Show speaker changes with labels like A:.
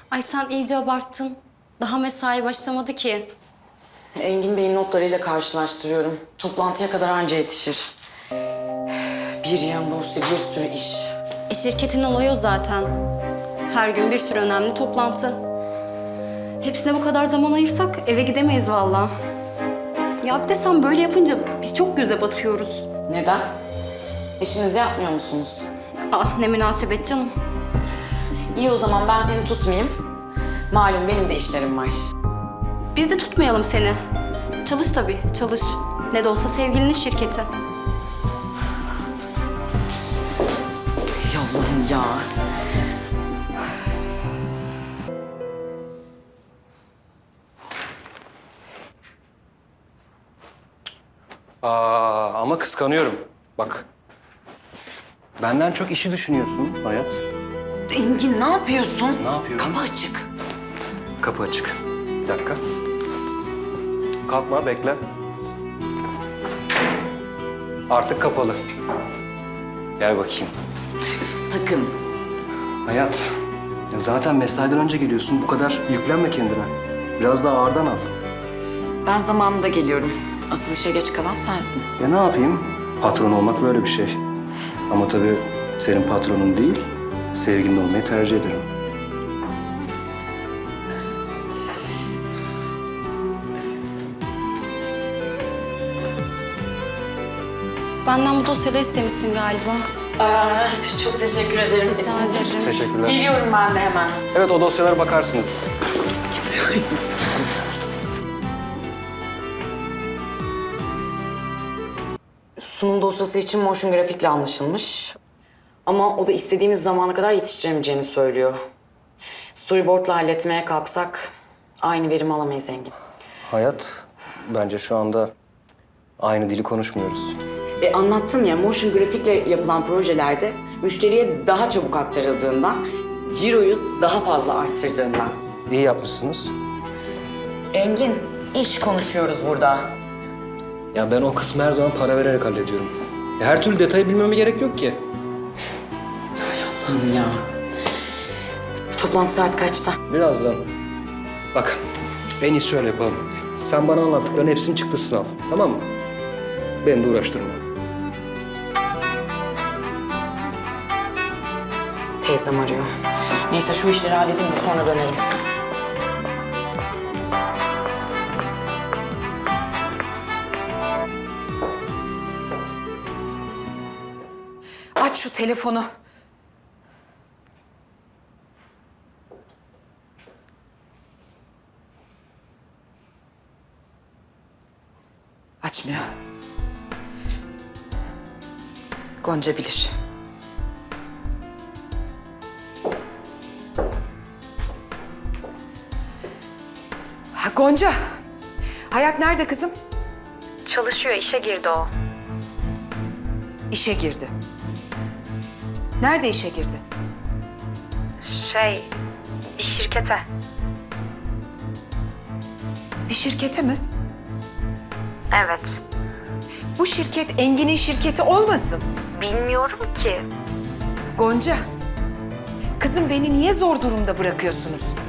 A: Ay sen iyice abarttın. Daha mesai başlamadı ki.
B: Engin Bey'in notlarıyla karşılaştırıyorum. Toplantıya kadar anca yetişir. Bir yan dosya, bir sürü iş.
A: Şirketin olayı o zaten. Her gün bir sürü önemli toplantı. Hepsine bu kadar zaman ayırsak eve gidemeyiz vallahi. Ya bir de sen böyle yapınca biz çok göze batıyoruz.
B: Neden? İşinizi yapmıyor musunuz?
A: Ah ne münasebet canım.
B: İyi o zaman ben seni tutmayayım. Malum benim de işlerim var.
A: Biz de tutmayalım seni. Çalış tabii, çalış. Ne de olsa sevgilinin şirketi.
B: Ey Allah'ım ya.
C: Ama kıskanıyorum. Bak. Benden çok işi düşünüyorsun Hayat.
B: Engin ne yapıyorsun?
C: Ne yapıyorum?
B: Kapı açık.
C: Kapı açık. Bir dakika. Kalkma, bekle. Artık kapalı. Gel bakayım.
B: Sakın.
C: Hayat, ya zaten mesaiden önce geliyorsun. Bu kadar yüklenme kendine. Biraz daha ağırdan al.
B: Ben zamanında geliyorum. Asıl işe geç kalan sensin.
C: Ya ne yapayım? Patron olmak böyle bir şey. Ama tabii senin patronun değil, sevgilin olmayı tercih ederim.
A: Benden bu dosyaları istemişsin galiba.
B: Çok teşekkür ederim.
A: Rica ederim.
C: Teşekkürler.
B: Geliyorum ben de hemen.
C: Evet, o dosyalara bakarsınız.
B: Sunum dosyası için motion grafikle anlaşılmış. Ama o da istediğimiz zamana kadar yetiştiremeyeceğini söylüyor. Storyboard'la halletmeye kalksak aynı verimi alamayız Engin.
C: Hayat, bence şu anda aynı dili konuşmuyoruz.
B: Anlattım ya, motion grafikle yapılan projelerde müşteriye daha çabuk aktarıldığından, ciroyu daha fazla arttırdığından.
C: İyi yapmışsınız.
B: Engin, iş konuşuyoruz burada.
C: Ya ben o kısmı her zaman para vererek hallediyorum. Ya her türlü detayı bilmeme gerek yok ki.
B: Hay Allah'ım ya. Toplantı saat kaçta?
C: Birazdan. Bak, en iyisi şöyle yapalım. Sen bana anlattıkların hepsinin çıktısını al, tamam mı? Beni de uğraştırma.
B: Teyzem arıyor. Neyse şu işleri halledeyim de sonra dönerim.
D: Aç şu telefonu. Açmıyor. Gonca bilir. Ha, Gonca. Hayat nerede kızım?
A: Çalışıyor, işe girdi o.
D: İşe girdi. Nerede işe girdi?
A: Bir şirkete.
D: Bir şirkete mi?
A: Evet.
D: Bu şirket Engin'in şirketi olmasın?
A: Bilmiyorum ki.
D: Gonca, kızım beni niye zor durumda bırakıyorsunuz?